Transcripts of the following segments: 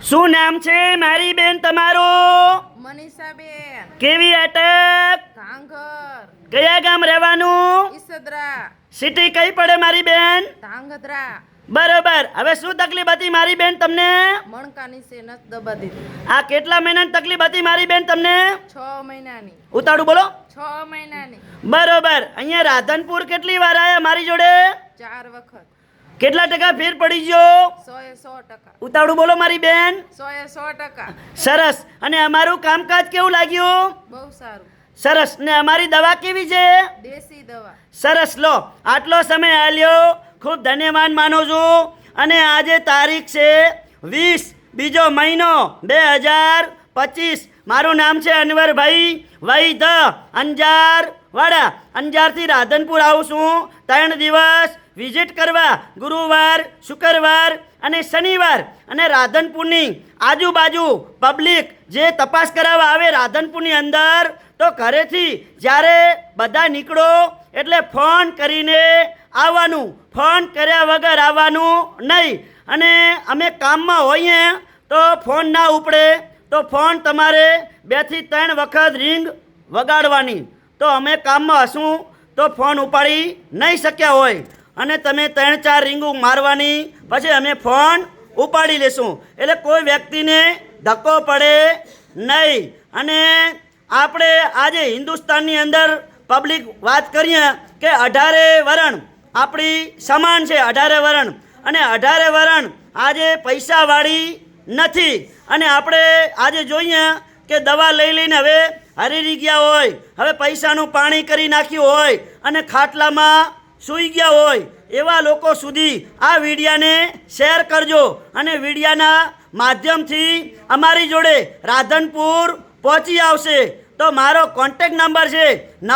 શું નામ છે મારી બેન તમારું? મનીષાબેન કેવી અટક? ધાંગર કયા ગામ રહેવાનું? ઈસદરા સિટી કઈ પડે મારી બેન? ધાંગધ્રા બરોબર. હવે શું તકલીફ હતી મારી બેન તમને? મણકાની છે નસ દબા દીધી આ કેટલા મહિનાની તકલીફ હતી મારી બેન તમને? 6 મહિનાની ઉતાળું બોલો. 6 મહિનાની બરોબર. અહીંયા રાધનપુર કેટલી વાર આયા મારી જોડે? 4 વખત કેટલા ટકા ફેર પડી ગયો? 100% ઉતાળું બોલો મારી બેન. 100% સરસ. અને અમારું કામકાજ કેવું લાગ્યું? બહુ સારું સરસ. ને અમારી દવા કેવી છે? દેશી દવા સરસ. લો, આટલો સમય આલ્યો, ખૂબ ધન્યવાદ માનું છું. અને આજે તારીખ છે 20 બીજો મહિનો 2025. મારું નામ છે અનવરભાઈ વૈદ, અંજાર વાડા. અંજારથી રાધનપુર આવું છું 3 દિવસ વિઝિટ કરવા, ગુરુવાર, શુક્રવાર અને શનિવાર. અને રાધનપુરની આજુબાજુ પબ્લિક જે તપાસ કરાવવા આવે રાધનપુરની અંદર, તો ઘરેથી જ્યારે બધા નીકળો એટલે ફોન કરીને આવવાનું, ફોન કર્યા વગર આવવાનું નહીં. અને અમે કામમાં હોઈએ તો ફોન ના ઉપડે તો ફોન તમારે 2 થી 3 વખત રિંગ વગાડવાની. તો અમે કામમાં હશું તો ફોન ઉપાડી નહીં શક્યા હોય, અને તમે 3-4 રીંગું મારવાની, પછી અમે ફોન ઉપાડી લેશું. એટલે કોઈ વ્યક્તિને ધક્કો પડે નહીં. અને આપણે આજે હિન્દુસ્તાનની અંદર પબ્લિક વાત કરીએ કે 18 વરણ આપણી સમાન છે, 18 વરણ. અને 18 વરણ આજે પૈસાવાળી નથી. અને આપણે આજે જોઈએ કે દવા લઈ લઈને હવે હરીરી ગયા હોય, હવે પૈસાનું પાણી કરી નાખ્યું હોય અને ખાટલામાં સૂઈ ગયા હોય, એવા લોકો સુધી આ વિડીયાને શેર કરજો. અને વિડીયાના માધ્યમથી અમારી જોડે રાધનપુર પહોંચી આવશે. તો મારો કોન્ટેક નંબર છે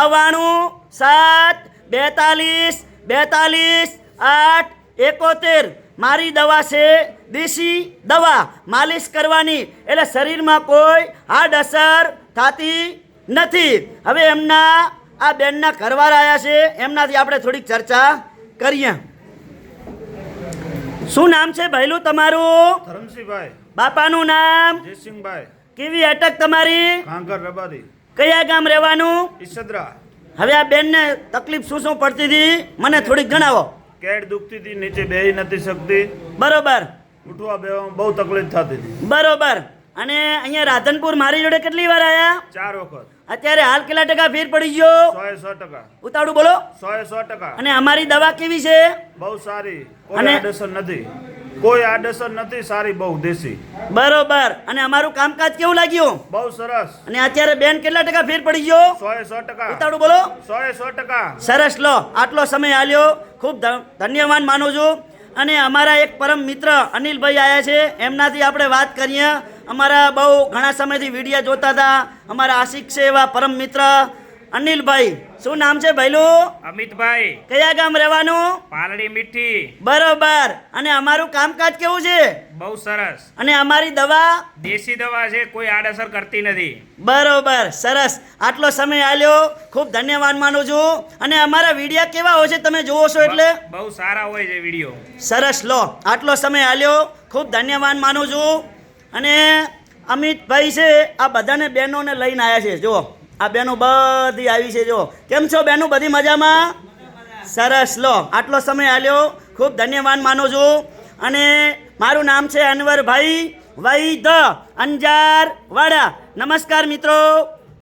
9972422871. મારી દવા છે દેશી દવા, માલિશ કરવાની, એટલે શરીરમાં કોઈ આડઅસર થતી નથી. હવે એમના આ બેનના ઘરવાળા આવ્યા છે, એમનાથી આપણે થોડીક ચર્ચા કરીએ. શું નામ છે ભાઈલું તમારું? ધરમસિંહભાઈ. બાપાનું નામ? જયસિંહભાઈ. કેવી અટક તમારી? કાંકર રબારી. કયા ગામ રહેવાનું? ઈસદરા. હવે આ બેનને તકલીફ શું પડતી હતી મને થોડીક જણાવો. કેડ દુખતી હતી, નીચે બેહી નથી શકતી, બરોબર ઉઠવા બેહવામાં બહુ તકલીફ થતી હતી. બરોબર. અને અહીંયા રાધનપુર મારી જોડે કેટલી વાર આવ્યા? 4 વખત. અત્યારે હાલ કેટલા ટકા ફેર પડી ગયો? 100%. ઉતાવળું બોલો. 100%. અને અમારી દવા કેવી છે? બહુ સારી, કોઈ અને- આડઅસર નથી, કોઈ આડઅસર નથી, સારી, બહુ દેશી. બરોબર. અને અમારું કામકાજ કેવું લાગ્યું? બહુ સરસ. અને અત્યારે બેન કેટલા ટકા ફેર પડી ગયો? 100%. ઉતાવળું બોલો. 100%. સરસ. લો, આટલો સમય આલ્યો, ખૂબ ધન્યવાદ માનું છું. અને અમારા એક પરમ મિત્ર અનિલભાઈ આવ્યા છે, એમનાથી આપણે વાત કરીએ. અમારા બહુ ઘણા સમયથી વિડીયો જોતા હતા, અમારા આશિક છે એવા પરમ મિત્ર અનિલભાઈ. શું નામ છે ભાઈલું? અમિતભાઈ. કયા ગામ રહેવાનું? પાલડી મીઠી. બરોબર. અને અમારું કામકાજ કેવું છે? બહુ સરસ. અને અમારી દવા દેશી દવા છે, કોઈ આડઅસર કરતી નથી. બરોબર. સરસ. આટલો સમય આલ્યો, ખૂબ ધન્યવાદ માનું છું. અને અમારા વિડીયા કેવા હોય છે તમે જોવો છો એટલે? બહુ સારા હોય છે વિડીયો. સરસ. લો, આટલો સમય આલ્યો, ખૂબ ધન્યવાદ માનું છું. અને અમિતભાઈ છે આ બધાને બહેનોને લઈને આવ્યા છે. જુઓ, આ બહેનો બધી આવી છે. જો કેમ છો બહેનો? બધી મજામાં? સરસ. લો, આટલો સમય આલ્યો, ખૂબ ધન્યવાદ માનું છું. અને મારું નામ છે અનવરભાઈ વૈદ, અંજાર વાડા. નમસ્કાર મિત્રો.